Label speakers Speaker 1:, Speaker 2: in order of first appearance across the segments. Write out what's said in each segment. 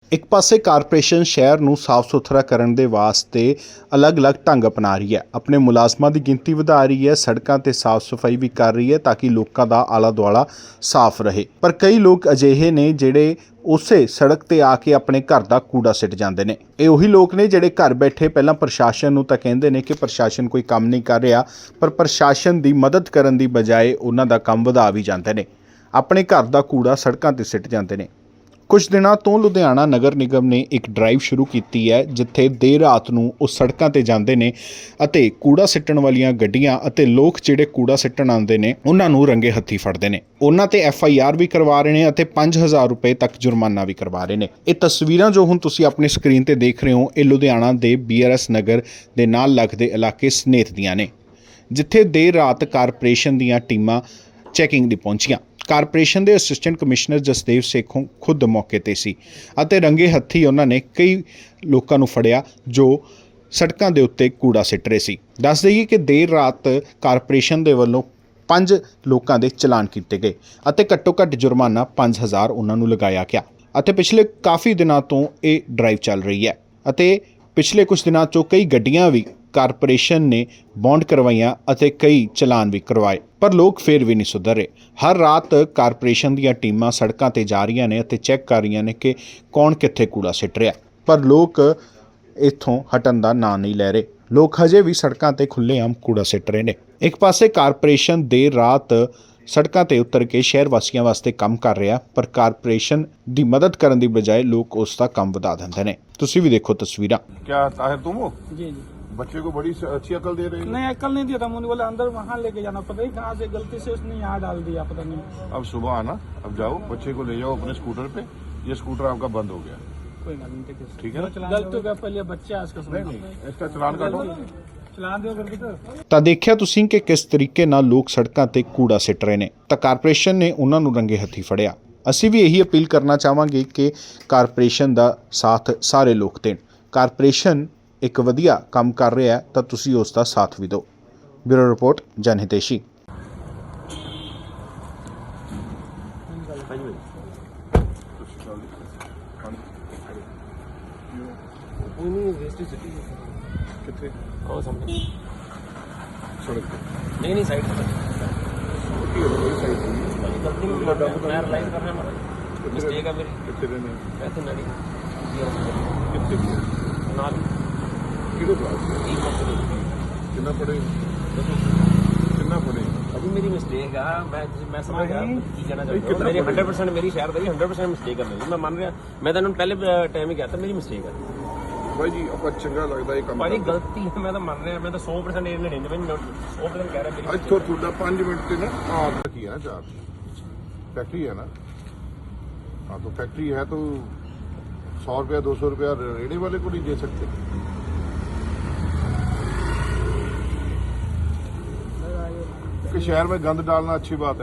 Speaker 1: एक पासे कारपोरेशन शहर ਨੂੰ ਸਾਫ਼ ਸੁਥਰਾ ਕਰਨ ਦੇ ਵਾਸਤੇ ਅਲੱਗ-ਅਲੱਗ ਢੰਗ ਅਪਣਾ ਰਹੀ ਹੈ। ਆਪਣੇ ਮੁਲਾਜ਼ਮਾਂ ਦੀ ਗਿਣਤੀ ਵਧਾ ਰਹੀ ਹੈ, ਸੜਕਾਂ ਤੇ ਸਾਫ਼ ਸਫਾਈ ਵੀ ਕਰ ਰਹੀ ਹੈ ਤਾਂ ਕਿ ਲੋਕਾਂ ਦਾ ਆਲਾ ਦੁਆਲਾ ਸਾਫ਼ ਰਹੇ। ਪਰ ਕਈ ਲੋਕ ਅਜਿਹੇ ਨੇ ਜਿਹੜੇ ਉਸੇ ਸੜਕ ਤੇ ਆ ਕੇ ਆਪਣੇ ਘਰ ਦਾ ਕੂੜਾ ਸਿੱਟ ਜਾਂਦੇ ਨੇ। ਇਹ ਉਹੀ ਲੋਕ ਨੇ ਜਿਹੜੇ ਘਰ ਬੈਠੇ ਪਹਿਲਾਂ ਪ੍ਰਸ਼ਾਸਨ ਨੂੰ ਤਾਂ ਕਹਿੰਦੇ ਨੇ ਕਿ ਪ੍ਰਸ਼ਾਸਨ ਕੋਈ ਕੰਮ ਨਹੀਂ ਕਰ ਰਿਹਾ, ਪਰ ਪ੍ਰਸ਼ਾਸਨ ਦੀ ਮਦਦ ਕਰਨ ਦੀ ਬਜਾਏ ਉਹਨਾਂ ਦਾ ਕੰਮ ਵਧਾ ਵੀ ਜਾਂਦੇ ਨੇ, ਆਪਣੇ ਘਰ ਦਾ ਕੂੜਾ ਸੜਕਾਂ ਤੇ ਸਿੱਟ ਜਾਂਦੇ ਨੇ। ਕੁਝ ਦਿਨਾਂ ਤੋਂ ਲੁਧਿਆਣਾ ਨਗਰ ਨਿਗਮ ਨੇ ਇੱਕ ਡਰਾਈਵ ਸ਼ੁਰੂ ਕੀਤੀ ਹੈ ਜਿੱਥੇ ਦੇਰ ਰਾਤ ਨੂੰ ਉਹ ਸੜਕਾਂ ਤੇ ਜਾਂਦੇ ਨੇ ਅਤੇ ਕੂੜਾ ਸਿੱਟਣ ਵਾਲੀਆਂ ਗੱਡੀਆਂ ਅਤੇ ਲੋਕ ਜਿਹੜੇ ਕੂੜਾ ਸਿੱਟਣ ਆਉਂਦੇ ਨੇ ਉਹਨਾਂ ਨੂੰ ਰੰਗੇ ਹੱਥੀ ਫੜਦੇ ਨੇ। ਉਹਨਾਂ ਤੇ FIR ਵੀ ਕਰਵਾ ਰਹੇ ਨੇ ਅਤੇ 5000 ਰੁਪਏ ਤੱਕ ਜੁਰਮਾਨਾ ਵੀ ਕਰਵਾ ਰਹੇ ਨੇ। ਇਹ ਤਸਵੀਰਾਂ ਜੋ ਹੁਣ ਤੁਸੀਂ ਆਪਣੀ ਸਕਰੀਨ ਤੇ ਦੇਖ ਰਹੇ ਹੋ, ਇਹ ਲੁਧਿਆਣਾ ਦੇ BRS ਨਗਰ ਦੇ ਨਾਲ ਲੱਗਦੇ ਇਲਾਕੇ ਸਨੇਤ ਦੀਆਂ ਨੇ, ਜਿੱਥੇ ਦੇਰ ਰਾਤ ਕਾਰਪੋਰੇਸ਼ਨ ਦੀਆਂ ਟੀਮਾਂ ਚੈਕਿੰਗ ਦੀ ਪਹੁੰਚੀਆਂ। ਕਾਰਪੋਰੇਸ਼ਨ ਦੇ ਅਸਿਸਟੈਂਟ ਕਮਿਸ਼ਨਰ ਜਸਦੇਵ ਸੇਖੋਂ ਖੁਦ ਮੌਕੇ ਤੇ ਸੀ ਅਤੇ ਰੰਗੇ ਹੱਥੀ ਉਹਨਾਂ ਨੇ ਕਈ ਲੋਕਾਂ ਨੂੰ ਫੜਿਆ ਜੋ ਸੜਕਾਂ ਦੇ ਉੱਤੇ ਕੂੜਾ ਸਿੱਟ ਰਹੇ ਸੀ। ਦੱਸ ਦਈਏ ਕਿ ਦੇਰ ਰਾਤ ਕਾਰਪੋਰੇਸ਼ਨ ਦੇ ਵੱਲੋਂ 5 ਲੋਕਾਂ ਦੇ ਚਲਾਨ ਕੀਤੇ ਗਏ ਅਤੇ ਘੱਟੋ ਘੱਟ ਜੁਰਮਾਨਾ 5000 ਉਹਨਾਂ ਨੂੰ ਲਗਾਇਆ ਗਿਆ ਅਤੇ ਪਿਛਲੇ ਕਾਫੀ ਦਿਨਾਂ ਤੋਂ ਇਹ ਡਰਾਈਵ ਚੱਲ ਰਹੀ ਹੈ ਅਤੇ ਪਿਛਲੇ ਕੁਝ ਦਿਨਾਂ 'ਚੋਂ ਕਈ ਗੱਡੀਆਂ ਵੀ ਕਾਰਪੋਰੇਸ਼ਨ ਨੇ ਬੌਂਡ ਕਰਵਾਈਆਂ ਅਤੇ ਕਈ ਚਲਾਨ ਵੀ ਕਰਵਾਏ, ਪਰ ਲੋਕ ਫਿਰ ਵੀ ਨਹੀਂ ਸੁਧਰ ਰਹੇ। ਹਰ ਰਾਤ ਕਾਰਪੋਰੇਸ਼ਨ ਦੀਆਂ ਟੀਮਾਂ ਸੜਕਾਂ ਤੇ ਜਾ ਰਹੀਆਂ ਨੇ ਅਤੇ ਚੈੱਕ ਕਰ ਰਹੀਆਂ ਨੇ ਕਿ ਕੌਣ ਕਿੱਥੇ ਕੂੜਾ ਸਿੱਟ ਰਿਹਾ, ਪਰ ਲੋਕ ਇੱਥੋਂ ਹਟਣ ਦਾ ਨਾਂ ਨਹੀਂ ਲੈ ਰਹੇ। ਲੋਕ ਹਜੇ ਵੀ ਸੜਕਾਂ ਤੇ ਖੁੱਲ੍ਹੇਆਮ ਕੂੜਾ ਸਿੱਟ ਰਹੇ ਨੇ। ਇੱਕ ਪਾਸੇ ਕਾਰਪੋਰੇਸ਼ਨ ਦੇਰ ਰਾਤ ਸੜਕਾਂ ਤੇ ਉਤਰ ਕੇ ਸ਼ਹਿਰ ਵਾਸੀਆਂ ਵਾਸਤੇ ਕੰਮ ਕਰ ਰਿਹਾ, ਪਰ ਕਾਰਪੋਰੇਸ਼ਨ ਦੀ ਮਦਦ ਕਰਨ ਦੀ ਬਜਾਏ ਲੋਕ ਉਸ ਦਾ ਕੰਮ ਵਧਾ ਦਿੰਦੇ ਨੇ। ਤੁਸੀਂ ਵੀ ਦੇਖੋ ਤਸਵੀਰਾਂ।
Speaker 2: क्या ताहिर तुम हो?
Speaker 3: जी जी
Speaker 2: बच्चे को बड़ी अच्छी अकल दे रहे हो।
Speaker 3: नहीं अकल नहीं दिया था, मुझे बोला अंदर वहाँ लेके जाना, पता नहीं कहाँ से गलती से उसने यहाँ डाल दिया, पता नहीं।
Speaker 2: अब सुबह आना, अब जाओ बच्चे को ले जाओ अपने स्कूटर पे। ये स्कूटर आपका बंद हो गया,
Speaker 3: कोई बात नहीं,
Speaker 2: ठीक है ना?
Speaker 3: गलती हो गया, पहले बच्चे आज का
Speaker 2: नहीं नहीं, इसका चलान काटो।
Speaker 3: चलान दो करके तो
Speaker 1: ਤਾਂ ਦੇਖਿਆ ਤੁਸੀਂ ਕਿ ਕਿਸ ਤਰੀਕੇ ਨਾਲ ਲੋਕ ਸੜਕਾਂ ਤੇ ਕੂੜਾ ਸਿੱਟ ਰਹੇ ਨੇ, ਤਾਂ ਕਾਰਪੋਰੇਸ਼ਨ ਨੇ ਉਹਨਾਂ ਨੂੰ ਰੰਗੇ ਹੱਥੀ ਫੜਿਆ। ਅਸੀਂ ਵੀ ਇਹੀ ਅਪੀਲ ਕਰਨਾ ਚਾਹਾਂਗੇ ਕਿ ਕਾਰਪੋਰੇਸ਼ਨ ਦਾ ਸਾਥ ਸਾਰੇ ਲੋਕ ਦੇਣ। ਕਾਰਪੋਰੇਸ਼ਨ ਇੱਕ ਵਧੀਆ ਕੰਮ ਕਰ ਰਿਹਾ ਹੈ ਤਾਂ ਤੁਸੀਂ ਉਸ ਦਾ ਸਾਥ ਵੀ ਦਿਓ। Bureau report, Janhiteshi.
Speaker 2: कितने
Speaker 4: और सामने
Speaker 2: सड़क पे
Speaker 4: नहीं साइड पे
Speaker 2: छोटी हो गई साइड पे
Speaker 4: गलती में मैं रियलाइज कर रहा हूं मिस्टेक है मेरी।
Speaker 2: कितने रहने
Speaker 4: ऐसे नहीं
Speaker 2: कितने
Speaker 4: नाल
Speaker 2: किलो क्लास
Speaker 4: तीन मंथ
Speaker 2: कितना पड़े कितना पड़े
Speaker 4: अभी मेरी मिस्टेक है। मैं समझ गया की कहना चाहता हूं।
Speaker 2: कितना
Speaker 4: मेरी
Speaker 2: पड़ेगा?
Speaker 4: 100% मेरी शहर दी 100% मिस्टेक है मेरी, मैं मान रहा। मैं तो पहले टाइम ही कहता मेरी मिस्टेक है
Speaker 2: भाई जी। आपका चंगा लगता है काम
Speaker 4: भाई गलती है, मैं तो मान रहा। मैं तो 100% 100% कह रहा मेरी
Speaker 2: ਅੱਜ ਤੋਂ ਤੁਹਾਡਾ 5 ਮਿੰਟ ਤੇ ਨਾ ਆਪ ਕੀ ਹੈ ਨਾ ਚਾਰ फैक्ट्री है ना? हाँ तो फैक्ट्री है तो 100 रुपया 200 रुपया रेड़े वाले को नहीं दे सकते। कि शहर में गंद डालना अच्छी बात है।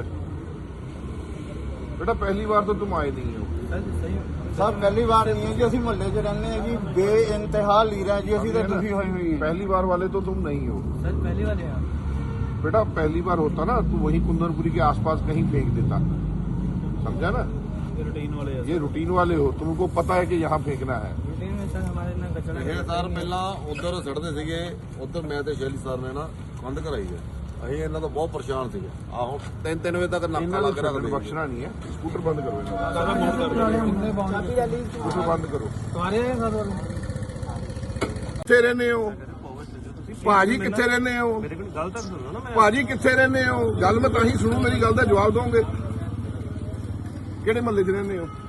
Speaker 2: बेटा पहली बार तो तुम आए नहीं हो।
Speaker 5: ਸਰ ਪਹਿਲੀ ਵਾਰ ਨਹੀਂ ਹੈ ਜੀ, ਅਸੀਂ ਮੁਹੱਲੇ 'ਚ ਰਹਿੰਦੇ ਹਾਂ ਜੀ, ਬੇਇੰਤਹਾ ਲੀਰਾਂ ਜੀ, ਅਸੀਂ ਤਾਂ ਦੁਖੀ ਹੋਈ ਹੋਈ ਹੈ।
Speaker 2: पहली बार वाले तो तुम नहीं हो।
Speaker 3: सर पहली बार है
Speaker 2: बेटा पहली बार होता ना तू वही कुंदनपुरी के आसपास कहीं फेंक देता, समझा ना?
Speaker 3: रूटीन वाले
Speaker 2: ये रूटीन वाले हो, तुमको पता है कि यहाँ फेंकना है।
Speaker 3: रूटीन में सर हमारे ना कचरा
Speaker 6: ਇਹ ਸਰ ਪਹਿਲਾਂ ਉਧਰ ਸੜਦੇ ਸੀਗੇ, ਉਧਰ ਮੈਂ ਤੇ ਸ਼ੈਲੀ ਸਰ ਨੇ ਨਾ ਕੰਧ ਕਰਾਈ ਹੈ। ਅਸੀਂ ਇਹਨਾਂ ਤੋਂ ਬਹੁਤ ਪਰੇਸ਼ਾਨ ਸੀਗੇ। ਆਹੋ 3 ਵਜੇ ਤੱਕ ਨਾਕਾ
Speaker 2: ਇਹਨਾਂ
Speaker 6: ਲੱਗ ਰਿਹਾ
Speaker 2: ਨੂੰ
Speaker 6: ਸੀ।
Speaker 2: ਬਖਸ਼ਣਾ ਨਹੀਂ ਹੈ। ਸਕੂटर बंद करो इन्हें।
Speaker 3: तुम्हारे
Speaker 2: स्कूटर बंद करो।
Speaker 3: सर वाले
Speaker 2: ਕਿੱਥੇ ਰਹਿੰਦੇ ਹੋ ਭਾਜੀ? ਕਿੱਥੇ ਰਹਿੰਦੇ ਹੋ ਭਾਜੀ? ਕਿੱਥੇ ਰਹਿੰਦੇ ਹੋ? ਗੱਲ ਮੈਂ ਤਾਂ ਹੀ ਸੁਣੂ, ਮੇਰੀ ਗੱਲ ਦਾ ਜਵਾਬ ਦੋਗੇ। ਕਿਹੜੇ ਮਹੱਲੇ 'ਚ ਰਹਿੰਦੇ ਹੋ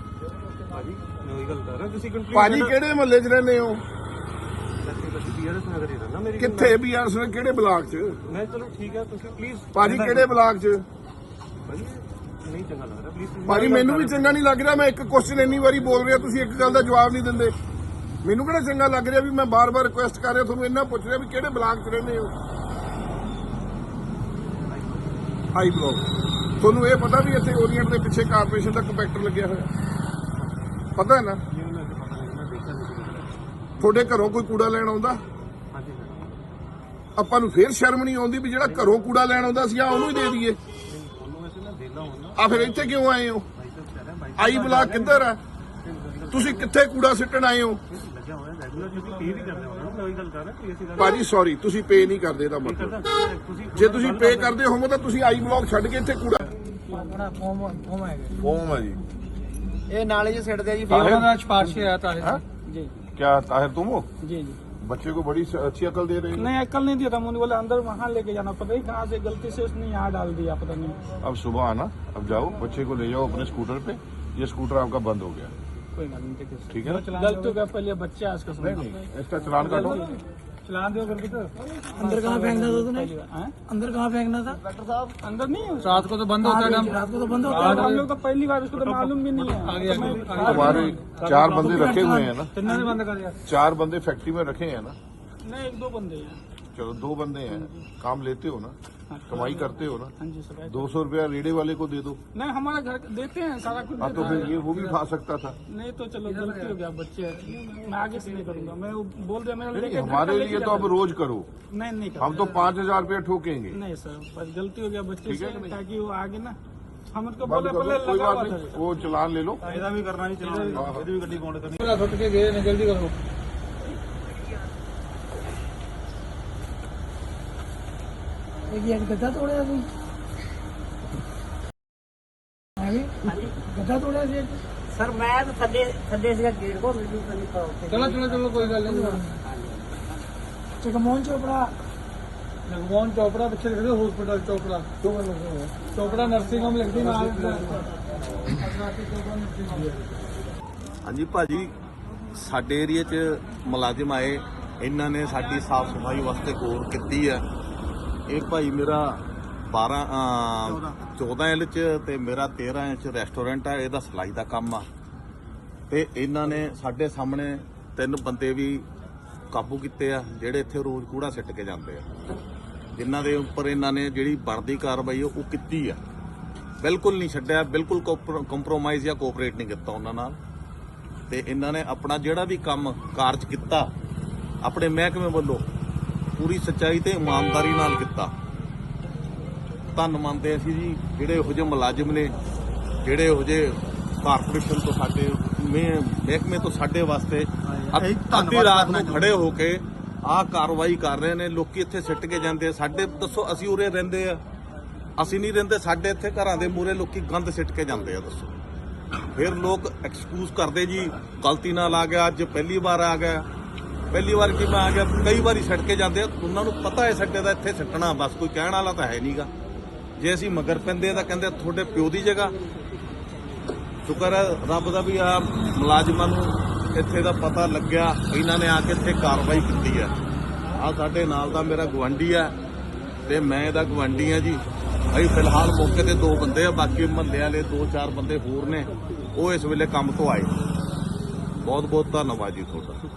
Speaker 2: ਭਾਜੀ? ਕਿਹੜੇ ਮਹੱਲੇ 'ਚ ਰਹਿੰਦੇ ਹੋ? ਕਿੱਥੇ BRS ਨੇ? ਕਿਹੜੇ ਬਲਾਕ 'ਚ?
Speaker 3: मैं चलो ठीक है, तो प्लीज
Speaker 2: ਭਾਜੀ ਕਿਹੜੇ ਬਲਾਕ 'ਚ?
Speaker 3: नहीं चंगा लग रहा, प्लीज
Speaker 2: ਭਾਜੀ ਮੈਨੂੰ ਵੀ ਚੰਗਾ ਨਹੀਂ ਲੱਗ ਰਿਹਾ। ਮੈਂ ਇੱਕ ਕੁਐਸਚਨ ਇੰਨੀ ਵਾਰੀ ਬੋਲ ਰਿਹਾ, ਤੁਸੀਂ ਇੱਕ ਗੱਲ ਦਾ ਜਵਾਬ ਨਹੀਂ ਦਿੰਦੇ। ਮੈਨੂੰ ਕਿਹੜਾ ਚੰਗਾ ਲੱਗ ਰਿਹਾ ਵੀ ਮੈਂ ਬਾਰ-ਬਾਰ ਰਿਕੁਐਸਟ ਕਰ ਰਿਹਾ, ਤੁਹਾਨੂੰ ਇੰਨਾ ਪੁੱਛ ਰਿਹਾ ਵੀ ਕਿਹੜੇ ਬਲਾਕ 'ਚ ਰਹਿੰਦੇ ਹੋ? High block. ਤੁਹਾਨੂੰ ਇਹ ਪਤਾ ਵੀ ਇੱਥੇ ਓਰੀਐਂਟ ਦੇ ਪਿੱਛੇ ਕਾਰਪੋਰੇਸ਼ਨ ਦਾ ਕੰਪੈਕਟਰ ਲੱਗਿਆ ਹੋਇਆ? ਪਤਾ ਹੈ ਨਾ? ਤੁਹਾਡੇ ਘਰੋਂ ਕੋਈ ਕੂੜਾ ਲੈਣ ਆਉਂਦਾ? ਆਪਾਂ ਨੂੰ ਫੇਰ ਸ਼ਰਮ ਨਹੀਂ ਆਉਂਦੀ ਵੀ ਜਿਹੜਾ ਘਰੋਂ ਕੂੜਾ ਲੈਣ ਆਉਂਦਾ ਸੀ ਆ ਉਹਨੂੰ ਹੀ ਦੇ ਦਈਏ? ਆ ਫਿਰ ਇੱਥੇ ਕਿਉਂ ਆਏ ਹੋ? ਆਈ ਬਲਾਕ ਕਿੱਧਰ ਆ? ਤੁਸੀਂ ਕਿੱਥੇ ਕੂੜਾ ਸਿੱਟਣ ਆਏ ਹੋ? ਭਾਜੀ ਸੌਰੀ, ਤੁਸੀਂ ਪੇ ਨਹੀਂ ਕਰਦੇ ਇਹਦਾ ਮਤਲਬ। ਜੇ ਤੁਸੀਂ ਪੇ ਕਰਦੇ ਹੋਵੋ ਤਾਂ ਤੁਸੀਂ ਆਈ ਬਲੌਕ ਛੱਡ ਕੇ ਇੱਥੇ ਕੂੜਾ ਫੋਮ ਹੈ ਜੀ।
Speaker 5: ਇਹ ਨਾਲੇ 'ਚ ਸਿੱਟਦੇ ਆ ਜੀ
Speaker 3: का सिफारिश आया था जी
Speaker 2: क्या ताहिर तुम हो?
Speaker 3: जी जी
Speaker 2: बच्चे को बड़ी अच्छी अकल दे रहे हो।
Speaker 3: नहीं अकल नहीं दिया था मुझे बोले अंदर वहाँ लेके जाना, पता नहीं कहाँ से गलती से उसने यहाँ डाल दिया, पता नहीं।
Speaker 2: अब सुबह आना, अब जाओ बच्चे को ले जाओ अपने स्कूटर पे। ये स्कूटर आपका बंद हो गया,
Speaker 3: कोई बात नहीं,
Speaker 2: ठीक है ना?
Speaker 3: गलती हो गया, पहले बच्चे आज का
Speaker 2: नहीं इसका चलान काटो।
Speaker 3: चलान दो करके तो
Speaker 7: अंदर कहाँ फेंकना था तूने?
Speaker 3: हैं?
Speaker 7: अंदर कहाँ फेंकना था?
Speaker 3: अंदर नहीं है,
Speaker 7: रात को तो बंद होता है काम। रात को तो बंद होता है।
Speaker 3: हम लोग तो पहली बार, उसको तो मालूम भी नहीं है।
Speaker 2: हमारे 4 बंदे रखे हुए हैं ना,
Speaker 3: किन्होंने बंद कर दिया?
Speaker 2: 4 बंदे फैक्ट्री में रखे हैं ना।
Speaker 3: नहीं 1-2 बंदे हैं।
Speaker 2: चलो 2 बंदे हैं, काम लेते हो ना, कमाई करते हो ना।
Speaker 3: हाँ जी सर।
Speaker 2: 200 रुपया रेडे वाले को दे दो।
Speaker 3: नहीं हमारा घर देते हैं, सारा कुछ
Speaker 2: हाँ तो
Speaker 3: देते
Speaker 2: फिर
Speaker 3: हैं।
Speaker 2: ये वो भी खा सकता था।
Speaker 3: नहीं तो चलो गलती हो गया, बच्चे मैं आगे से नहीं करूंगा। मैं वो बोल दिया मेरा
Speaker 2: नहीं,
Speaker 3: लेके
Speaker 2: हमारे लिए तो अब रोज करो,
Speaker 3: नहीं नहीं
Speaker 2: हम तो 5000 रुपया ठोकेंगे।
Speaker 3: नहीं सर, बस गलती हो गया बच्चे
Speaker 2: ठीक है
Speaker 3: से,
Speaker 2: कि नहीं?
Speaker 3: ताकि वो आगे ना हम उसको
Speaker 2: बंद
Speaker 3: बोले
Speaker 2: कर
Speaker 3: पहले
Speaker 2: दो, कोई
Speaker 3: लगा
Speaker 2: बात
Speaker 3: हुआ
Speaker 2: नहीं,
Speaker 3: था।
Speaker 2: वो चलान ले लो।
Speaker 3: ऐसा भी करना ही चाहिए, ये भी गड्डी कौन करनी है? छुट के गए ना, जल्दी करो।
Speaker 7: एक गड्ढा तोड़ा तू? गड्ढा तोड़ा जी?
Speaker 8: सर मैं तो थड्डे से गेट को वीडियो करनी पड़ा।
Speaker 3: चलो चलो चलो, कोई गल नहीं।
Speaker 7: जगमोहन चोपड़ा
Speaker 3: जगमोहन चोपड़ा पीछे लिख दो, hospital Chopra, Chopra nursing home लिख दी ना।
Speaker 9: ਹਾਂਜੀ ਭਾਜੀ, ਸਾਡੇ ਏਰੀਆ 'ਚ ਮੁਲਾਜ਼ਮ ਆਏ, ਇਹਨਾਂ ਨੇ ਸਾਡੀ ਸਾਫ ਸਫਾਈ ਵਾਸਤੇ ਗੌਰ ਕੀਤੀ ਹੈ। ਇਹ ਭਾਈ ਮੇਰਾ 14 ਇੰਚ ਤੇ ਮੇਰਾ 13 ਇੰਚ ਰੈਸਟੋਰੈਂਟ ਹੈ, ਇਹਦਾ ਸਿਲਾਈ ਦਾ ਕੰਮ ਆ। ਤੇ ਇਹਨਾਂ ਨੇ ਸਾਡੇ ਸਾਹਮਣੇ 3 ਬੰਦੇ ਵੀ ਕਾਬੂ ਕੀਤੇ ਆ, ਜਿਹੜੇ ਇੱਥੇ ਰੋਜ਼ ਕੂੜਾ ਸਿੱਟ ਕੇ ਜਾਂਦੇ ਆ, ਜਿਨ੍ਹਾਂ ਦੇ ਉੱਪਰ ਇਹਨਾਂ ਨੇ ਜਿਹੜੀ ਬਣਦੀ ਕਾਰਵਾਈ ਉਹ ਕੀਤੀ ਆ। ਬਿਲਕੁਲ ਨਹੀਂ ਛੱਡਿਆ, ਬਿਲਕੁਲ ਕੰਪਰੋਮਾਈਜ਼ ਜਾਂ ਕੋਆਪਰੇਟ ਨਹੀਂ ਕੀਤਾ ਉਹਨਾਂ ਨਾਲ। ਤੇ ਇਹਨਾਂ ਨੇ ਆਪਣਾ ਜਿਹੜਾ ਵੀ ਕੰਮ ਕਾਰਜ ਕੀਤਾ ਆਪਣੇ ਮਹਿਕਮੇ ਵੱਲੋਂ ਪੂਰੀ ਸੱਚਾਈ ਤੇ ਇਮਾਨਦਾਰੀ ਨਾਲ ਕੀਤਾ। ਧੰਨ ਮੰਨਦੇ ਅਸੀਂ ਜੀ ਜਿਹੜੇ ਇਹੋ ਜਿਹੇ ਮੁਲਾਜ਼ਮ ਨੇ, ਜਿਹੜੇ ਇਹੋ ਜਿਹੇ ਕਾਰਪੋਰੇਸ਼ਨ ਤੋਂ ਸਾਡੇ ਮਹਿਕਮੇ ਤੋਂ ਸਾਡੇ ਵਾਸਤੇ ਅੱਧੀ ਰਾਤ ਨੂੰ ਖੜੇ ਹੋ ਕੇ ਆਹ ਕਾਰਵਾਈ ਕਰ ਰਹੇ ਨੇ। ਲੋਕੀ ਇੱਥੇ ਸਿੱਟ ਕੇ ਜਾਂਦੇ ਆ, ਸਾਡੇ ਦੱਸੋ ਅਸੀਂ ਉਰੇ ਰਹਿੰਦੇ ਆ, ਅਸੀਂ ਨਹੀਂ ਰਹਿੰਦੇ, ਸਾਡੇ ਇੱਥੇ ਘਰਾਂ ਦੇ ਮੂਹਰੇ ਲੋਕੀ ਗੰਦ ਸਿੱਟ ਕੇ ਜਾਂਦੇ ਆ। ਦੱਸੋ ਫਿਰ ਲੋਕ ਐਕਸਕਿਊਜ਼ ਕਰਦੇ ਜੀ ਗਲਤੀ ਨਾਲ ਆ ਗਿਆ, ਅੱਜ ਪਹਿਲੀ ਵਾਰ ਆ ਗਿਆ। ਪਹਿਲੀ ਵਾਰ ਕੀ ਮੈਂ ਆ ਗਿਆ, ਕਈ ਵਾਰੀ ਸਿੱਟ ਕੇ ਜਾਂਦੇ ਆ। ਉਹਨਾਂ ਨੂੰ ਪਤਾ ਹੈ ਸਾਡੇ ਦਾ ਇੱਥੇ ਸਿੱਟਣਾ, ਬਸ ਕੋਈ ਕਹਿਣ ਵਾਲਾ ਤਾਂ ਹੈ ਨਹੀਂਗਾ। ਜੇ ਅਸੀਂ ਮਗਰ ਪੈਂਦੇ ਆ ਤਾਂ ਕਹਿੰਦੇ ਤੁਹਾਡੇ ਪਿਓ ਦੀ ਜਗ੍ਹਾ। ਸ਼ੁਕਰ ਹੈ ਰੱਬ ਦਾ ਵੀ ਆ ਮੁਲਾਜ਼ਮਾਂ ਨੂੰ ਇੱਥੇ ਦਾ ਪਤਾ ਲੱਗਿਆ, ਇਹਨਾਂ ਨੇ ਆ ਕੇ ਇੱਥੇ ਕਾਰਵਾਈ ਕੀਤੀ ਹੈ। ਆ ਸਾਡੇ ਨਾਲ ਦਾ ਮੇਰਾ ਗੁਆਂਢੀ ਆ ਤੇ ਮੈਂ ਇਹਦਾ ਗੁਆਂਢੀ ਆ ਜੀ। ਅਸੀਂ ਫਿਲਹਾਲ ਮੌਕੇ ਤੇ 2 ਬੰਦੇ ਆ, ਬਾਕੀ ਮਹੱਲੇ ਵਾਲੇ 2-4 ਬੰਦੇ ਹੋਰ ਨੇ, ਉਹ ਇਸ ਵੇਲੇ ਕੰਮ ਤੋਂ ਆਏ। ਬਹੁਤ ਬਹੁਤ ਧੰਨਵਾਦ ਜੀ ਤੁਹਾਡਾ।